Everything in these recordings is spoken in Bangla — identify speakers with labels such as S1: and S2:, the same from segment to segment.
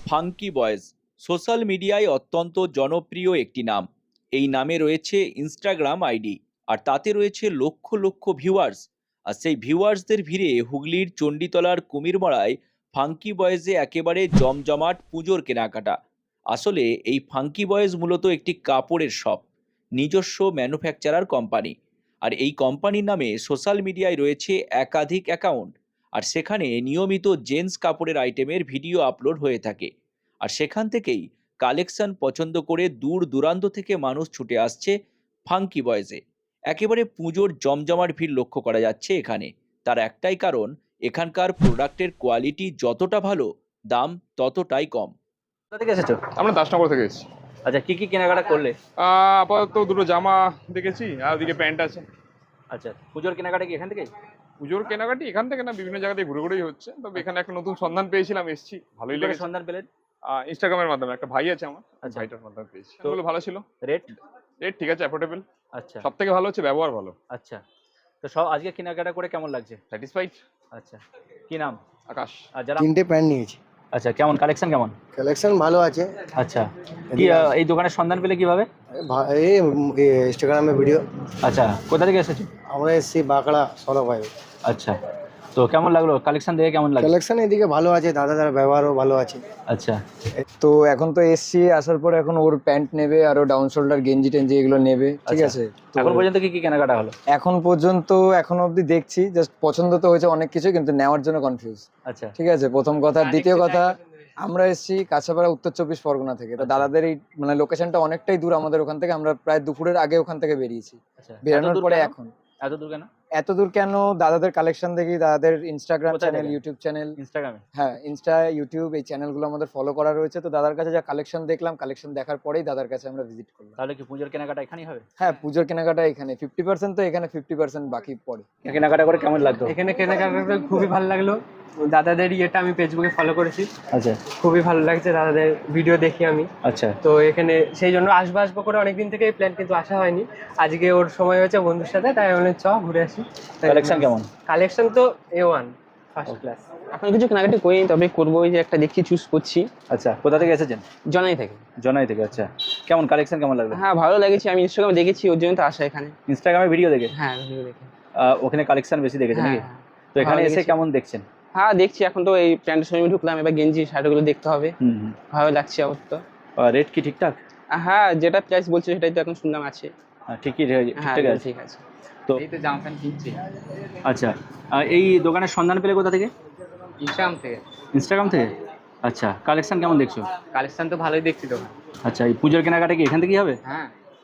S1: ফাঙ্কি বয়েজ সোশ্যাল মিডিয়ায় অত্যন্ত জনপ্রিয় একটি নাম। এই নামে রয়েছে ইনস্টাগ্রাম আইডি, আর তাতে রয়েছে লক্ষ লক্ষ ভিউয়ার্স। আর সেই ভিউয়ার্সদের ভিড়ে হুগলির চণ্ডীতলার কুমিরমারায় ফাঙ্কি বয়েজে একেবারে জমজমাট পুজোর কেনাকাটা। আসলে এই ফাঙ্কি বয়েজ মূলত একটি কাপড়ের শপ, নিজস্ব ম্যানুফ্যাকচারার কোম্পানি। আর এই কোম্পানির নামে সোশ্যাল মিডিয়ায় রয়েছে একাধিক অ্যাকাউন্ট, আর সেখানে নিয়মিত জেন্টস কাপড়ের আইটেমের ভিডিও আপলোড হয়ে থাকে। আর সেখান থেকেই কালেকশন পছন্দ করে দূর দূরান্ত থেকে মানুষ ছুটে আসছে ফাঙ্কি বয়েজে। একেবারে পুজোর জমজমাট ভিড় লক্ষ্য করা যাচ্ছে এখানে। তার একটাই কারণ, এখানকার প্রোডাক্টের কোয়ালিটি যতটা ভালো, দাম ততটাই কম। কোথা থেকে এসেছো?
S2: আমরা দাসনগর থেকে এসেছি।
S1: আচ্ছা, কি কি কেনাকাটা করলে?
S2: আপাতত দুটো জামা দেখেছি আর ওদিকে প্যান্ট আছে।
S1: আচ্ছা, পুজোর কেনাকাটা কি এখান থেকে?
S2: পুজোর কেনাকাটি এখান থেকে না, বিভিন্ন জায়গা থেকে ঘুরে ঘুরেই হচ্ছে। তবে এখানে একটা নতুন সন্ধান পেয়েছিলাম, এসেছি, ভালোই
S1: কি করে
S2: লেগেছে।
S1: সন্ধান পেলেন?
S2: ইনস্টাগ্রামের মাধ্যমে একটা ভাই আছে আমার,
S1: আচ্ছা।
S2: ভাইটার মাধ্যমে পেয়েছি।
S1: তো
S2: ওগুলো ভালো ছিল,
S1: রেট?
S2: রেট ঠিক আছে, অ্যাফোর্ডেবল।
S1: আচ্ছা।
S2: সব থেকে ভালো হচ্ছে ব্যবহার ভালো।
S1: আচ্ছা, তো সব আজকে কেনাকাটা করে কেমন লাগছে?
S2: স্যাটিসফাইড।
S1: আচ্ছা, কি নাম?
S2: আকাশ।
S1: আর যারা
S3: তিনটে প্যান্ট নিয়েছি।
S1: আচ্ছা, কেমন কালেকশন কেমন?
S3: কালেকশন ভালো আছে।
S1: আচ্ছা, কি এই দোকানের সন্ধান পেলে কিভাবে?
S3: এই ইনস্টাগ্রামে ভিডিও।
S1: আচ্ছা, কোথা থেকে এসেছো?
S3: আমরা এসেছি বাঁকড়া সরব ভাই।
S1: আচ্ছা, তো কেমন লাগলো কালেকশন দেখে? কেমন লাগলো?
S3: কালেকশন এদিকে ভালো আছে, দাদার ব্যবহারও ভালো আছে।
S1: আচ্ছা,
S4: তো এখন তো এসছি, আসার পর এখন ওর প্যান্ট নেবে আর ও ডাউন শোল্ডার গেঞ্জি টেঞ্জি এগুলো নেবে, ঠিক
S1: আচ্ছা।
S4: আছে? তো
S1: এখন পর্যন্ত কি কি কেনাকাটা হলো?
S4: এখন পর্যন্ত এখনো অবধি দেখছি, জাস্ট পছন্দ তো হয়েছে অনেক কিছু, কিন্তু নেওয়ার জন্য কনফিউজ,
S1: আচ্ছা।
S4: ঠিক আছে? প্রথম কথা। দ্বিতীয় কথা, আমরা এসেছি কাছাপাড়া, উত্তর চব্বিশ পরগনা থেকে। তো দাদাদের এই মানে লোকেশনটা অনেকটাই দূর আমাদের ওখান থেকে। আমরা প্রায় দুপুরের আগে ওখান থেকে বেরিয়েছি।
S1: আচ্ছা,
S4: বেরানোর পরে
S1: কেন?
S4: এখন
S1: এত দূর কেন?
S4: এত দূর কেন, দাদাদের কালেকশন দেখি, দাদাদের ইনস্টাগ্রাম
S1: কোথায়
S4: চ্যানেল,
S1: দেখেন?
S4: ইউটিউব চ্যানেল,
S1: ইনস্টাগ্রামে?
S4: হ্যাঁ ইনস্টা, ইউটিউব, এই চ্যানেলগুলো আমাদের ফলো করা রয়েছে। তো দাদার কাছে যা কালেকশন দেখলাম, কালেকশন দেখার পরেই দাদার কাছে আমরা ভিজিট করলাম।
S1: তাহলে কি পুজোর কেনাকাটা এখানেই হবে?
S4: হ্যাঁ, পুজোর কেনাকাটা এখানে 50%, তো এখানে 50% বাকি পড়ে।
S1: কেনাকাটা করে কেমন লাগলো?
S5: এখানে কেনাকাটা করে খুবই ভালো লাগলো। দাদাদের ইয়েটা আমি ফেসবুকে ফলো করেছি,
S1: আচ্ছা।
S5: খুবই ভালো লাগছে, দাদাদের ভিডিও দেখি আমি।
S1: আচ্ছা,
S5: তো এখানে সেই জন্য আসবো আসবো করে অনেকদিন থেকে প্ল্যান, কিন্তু আসা হয়নি। আজকে ওর সময় হয়েছে বন্ধুর সাথে, তাই বললেন চ ঘুরে আসি।
S1: কালেকশন কেমন?
S5: কালেকশন তো A1 ফার্স্ট ক্লাস।
S6: এখন কিছু কেনাকাটি করিনি, তবে করবো। ওই যে একটা দেখছি, চুজ করছি।
S1: আচ্ছা, কোথা থেকে এসেছেন?
S6: জনাই থেকে।
S1: জনাই থেকে। আচ্ছা, কেমন কালেকশন কেমন লাগলো?
S6: হ্যাঁ, ভালো লেগেছে। আমি ইনস্টাগ্রামে দেখেছি, ওর জন্য তো আসা এখানে।
S1: ইনস্টাগ্রামে ভিডিও দেখে?
S6: হ্যাঁ, ভিডিও দেখে।
S1: ওখানে কালেকশন বেশি দেখেছেন নাকি?
S6: হ্যাঁ,
S1: তো এখানে
S6: ভালো
S1: এসে
S6: লেগেছে।
S1: কেমন দেখছেন?
S6: হ্যাঁ, দেখছি। এখন তো এই প্যান্টের সময় ঢুকলাম, এবার গেঞ্জি শার্টগুলো দেখতে হবে। ভালো লাগছে অবশ্য।
S1: রেট কি ঠিকঠাক?
S6: হ্যাঁ, যেটা প্রাইস বলছে সেটাই তো এখন শুনলাম আছে।
S1: ঠিকই
S6: হ্যাঁ,
S1: ঠিকঠাক আছে।
S6: ঠিক আছে।
S1: তো
S5: এই তো জামা প্যান্ট কিনছি
S1: আচ্ছা, এই দোকানের সন্ধান পেলে কোথা থেকে?
S5: ইনস্টাগ্রাম থেকে।
S1: ইনস্টাগ্রাম থেকে। আচ্ছা, কালেকশন কেমন দেখছো?
S5: কালেকশন তো ভালোই দেখছি তো।
S1: আচ্ছা, এই পুজোর কেনাকাটা কি এখান থেকেই হবে?
S5: হ্যাঁ,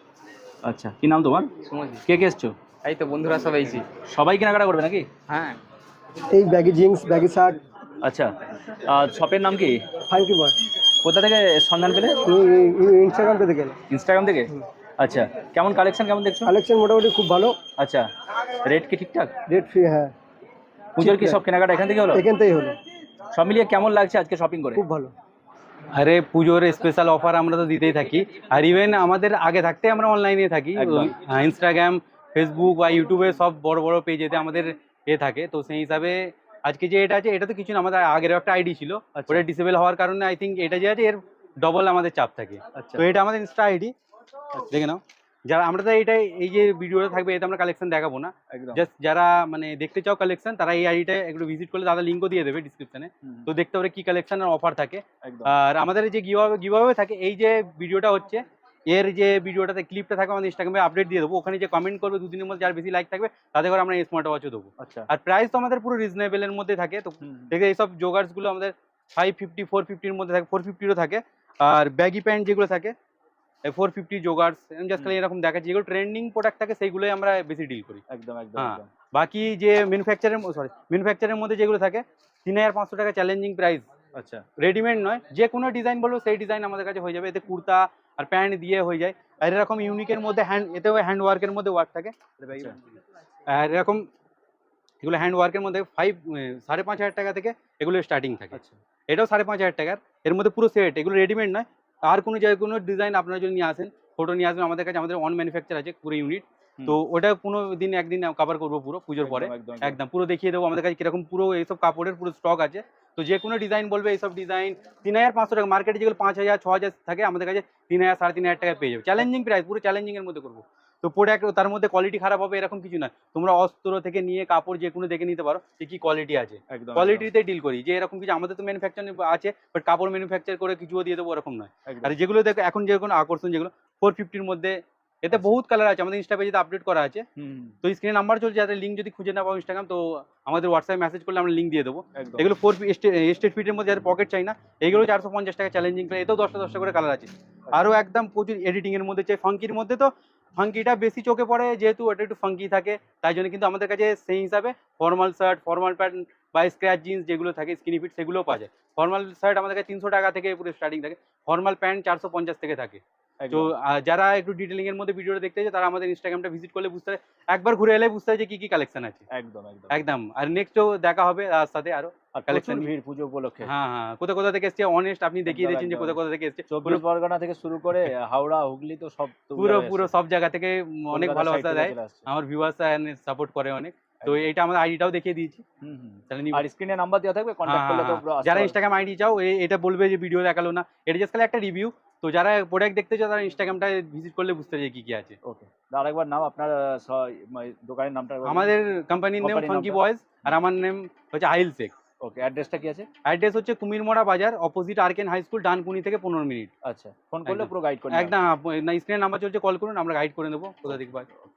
S1: আচ্ছা, কি নাম তোমার?
S5: সুমজি।
S1: কে কে এসছো?
S5: এই তো বন্ধুরা সবাই এসেছি।
S1: সবাই কেনাকাটা করবে নাকি?
S5: হ্যাঁ,
S3: এই ব্যাগি জিন্স, ব্যাগি শার্ট।
S1: আচ্ছা, শপের নাম কি?
S3: Funky Boy.
S1: কোথা থেকে সন্ধান পেলে?
S3: ইনস্টাগ্রাম থেকে গেলে।
S1: ইনস্টাগ্রাম থেকে। আচ্ছা, কেমন কালেকশন কেমন দেখছো?
S3: কালেকশন মোটামুটি খুব ভালো।
S1: আচ্ছা, রেট কি ঠিকঠাক?
S3: Rate free. হ্যাঁ,
S1: পুজোর কি সব কেনাকাটা এখান থেকে হলো?
S3: এখান থেকেই হলো।
S1: সব মিলিয়ে কেমন লাগছে আজকে শপিং করে?
S3: খুব ভালো।
S7: আরে পুজোর স্পেশাল অফার আমরা তো দিতেই থাকি, আর ইভেন আমাদের আগে থাকতে আমরা অনলাইনে থাকি।
S1: একদম।
S7: ইনস্টাগ্রাম, ফেসবুক বা ইউটিউবে সব বড় বড় পেজেতে আমাদের থাকে। তো সেই হিসাবে আজকে যে এটা আছে, এটা তো কিছু না, আমাদের আগের একটা আইডি ছিল,
S1: আচ্ছা।
S7: ওটা ডিসেবল হওয়ার কারণে আই থিঙ্ক এটা যে আছে এর ডবল আমাদের চাপ থাকে।
S1: আচ্ছা।
S7: তো এটা আমাদের ইনস্টা আইডি, দেখে নাও। যারা আমরা তো এইটাই, এই যে ভিডিওটা থাকবে এতে আমরা কালেকশন দেখাবো না,
S1: একদম।
S7: জাস্ট যারা মানে দেখতে চাও কালেকশন, তারা এই আইডিটা একটু ভিজিট করলে দাদা লিঙ্কও দিয়ে দেবে ডিসক্রিপশনে। তো দেখতে পারে কি কালেকশন আর অফার থাকে।
S1: একদম।
S7: আর আমাদের যে গিভঅ্যাওয়ে থাকে, এই যে ভিডিওটা হচ্ছে, এর যে ভিডিওটাতে ক্লিপটা থাকবে আমাদের ইনস্টাগ্রামে আপডেট দিয়ে দেবো। ওখানে যে কমেন্ট করবে দুদিনের মধ্যে, যার বেশি লাইক থাকবে তাদের করে আমরা এই স্মার্ট ওয়াচও দেবো।
S1: আচ্ছা।
S7: আর প্রাইস তো আমাদের পুরো রিজনেবলের মধ্যে থাকে। তো দেখে এইসব জোগার্সগুলো আমাদের 550, 450-র মধ্যে থাকে, 450-রও থাকে। আর ব্যাগি প্যান্ট যেগুলো থাকে 450 জোগার্স, জাস্ট খালি এরকম দেখাচ্ছি। যেগুলো ট্রেন্ডিং প্রোডাক্ট থাকে সেইগুলোই আমরা বেশি ডিল করি।
S1: একদম একদম
S7: হ্যাঁ,
S1: একদম।
S7: বাকি যে ম্যানুফ্যাকচারের মধ্যে যেগুলো থাকে 3500 টাকা চ্যালেঞ্জিং প্রাইস।
S1: আচ্ছা,
S7: রেডিমেড নয়, যে কোনো ডিজাইন বলবো সেই ডিজাইন আমাদের কাছে হয়ে যাবে। এতে কুর্তা আর প্যান্ট দিয়ে হয়ে যায়। আর এরকম ইউনিকের মধ্যে এতেও হ্যান্ড ওয়ার্কের মধ্যে ওয়ার্ক থাকে।
S1: আচ্ছা।
S7: আর এরকম এগুলো হ্যান্ড ওয়ার্কের মধ্যে 5,500 টাকা থেকে এগুলো স্টার্টিং থাকে।
S1: আচ্ছা।
S7: এটাও 5,500 টাকার, এর মধ্যে পুরো সেট। এগুলো রেডিমেড নয়। আর কোনো ডিজাইন আপনারা যদি নিয়ে আসেন, ফটো নিয়ে আসবেন আমাদের কাছে, আমাদের অন ম্যানুফ্যাকচার আছে পুরো ইউনিট। তো ওটা কোনো দিন একদিন কভার করবো পুরো পুজোর পরে একদম পুরো দেখিয়ে দেবো আমাদের কাছে কিরকম পুরো এইসব কাপড়ের পুরো স্টক আছে। তো যে কোনো ডিজাইন বলবে এইসব ডিজাইন 3500 টাকা, মার্কেটে যেগুলো 5000 6000 থাকে আমাদের কাছে 3000 3500 টাকায় পেয়ে যাবে। চ্যালেঞ্জিং প্রাইস, পুরো চ্যালেঞ্জিং এর মধ্যে করবো। তো প্রোডাক্ট তার মধ্যে কোয়ালিটি খারাপ হবে এরকম কিছু না, তোমরা অস্ত্র থেকে নিয়ে কাপড় যে কোনো দেখে নিতে পারো যে কি কোয়ালিটি আছে, কোয়ালিটিতে ডিল করি। যে এরকম কিছু আমাদের তো ম্যানুফ্যাকচারিং আছে, বাট কাপড় ম্যানুফ্যাকচার করে কিছুও দিয়ে দেবো এরকম নয়। আর যেগুলো দেখো এখন যে কোনো আকর্ষণ যেগুলো 450 এর মধ্যে, এতে বহুত কালার আছে, আমাদের ইনস্টা পেজে আপডেট করা আছে। তো স্ক্রিনে নাম্বার চলছে, যাদের লিঙ্ক যদি খুঁজে না পাও ইনস্টাগ্রাম, তো আমাদের হোয়াটসঅ্যাপ মেসেজ করলে আমরা লিঙ্ক দিয়ে দেবো। এগুলো 4 স্টেট ফিটের মধ্যে, যাদের পকেট চাই না, এগুলো 450 টাকা চ্যালেঞ্জিং প্রাইস। এতেও 10টা করে কালার আছে। আরও একদম প্রচুর এডিটিং এর মধ্যে চাই, ফাঙ্কির মধ্যে তো ফাঙ্কিটা বেশি চোখে পড়ে, যেহেতু ওটা একটু ফাঙ্কি থাকে, তাই জন্য কিন্তু আমাদের কাছে সেই হিসাবে ফর্মাল শার্ট, ফর্মাল প্যান্ট বা স্ক্র্যাচ জিন্স যেগুলো থাকে স্কিনি ফিট, সেগুলোও পাওয়া যায়। ফর্মাল শার্ট আমাদের কাছে 300 টাকা থেকে পুরো স্টার্টিং থাকে, ফর্মাল প্যান্ট 450 থেকে থাকে। তো যারা একটু ডিটেলিং এর মধ্যে ভিডিওটা দেখতে চায় তারা আমাদের ইনস্টাগ্রামটা ভিজিট করলে বুঝতে পারে, একবার ঘুরে এলে বুঝতে পারে যে কি কি কালেকশন আছে। একদম। আর নেক্সটও দেখা হবে তার সাথে আরো কালেকশন
S1: ভিড় পুজো উপলক্ষে।
S7: হ্যাঁ, কোথা থেকে এসছে অনেস্ট আপনি দেখিয়ে দিয়েছেন যে কোথা থেকে এসছে।
S1: 24 পরগনা থেকে শুরু করে হাওড়া, হুগলি, তো সব
S7: পুরো সব জায়গা থেকে অনেক ভালোবাসা দেয় আমার ভিউয়ার্স, সাপোর্ট করে অনেক। তো এটা আমাদের আইডিটাও দেখিয়ে দিয়েছি,
S1: আর স্ক্রিনে নাম্বার দেওয়া থাকবে, কন্ট্যাক্ট করলে তো
S7: যারা ইনস্টাগ্রাম আইডি চাও এটা বলবে যে ভিডিও দেখালো না, এটা জাস্ট খালি একটা রিভিউ। তো যারা প্রোডাক্ট দেখতে চাও তারা ইনস্টাগ্রামটা ভিজিট করলে বুঝতে পারবে কি কি আছে।
S1: ওকে, আরেকবার নাম আপনার দোকানের নামটা?
S7: আমাদের কোম্পানির নেম ফাঙ্কি বয়েজ, আর আমার নেম হচ্ছে আহিল শেখ।
S1: ওকে, অ্যাড্রেসটা কি আছে?
S7: অ্যাড্রেস হচ্ছে কুমিরমোড়া বাজার, অপোজিট আরকেন হাই স্কুল, ডানকুনি থেকে 15 মিনিট।
S1: আচ্ছা, ফোন করলে পুরো গাইড করে
S7: একদম। না, স্ক্রিনের নাম্বার চলছে, কল করুন, আমরা গাইড করে নেবো কোথা থেকে পাই।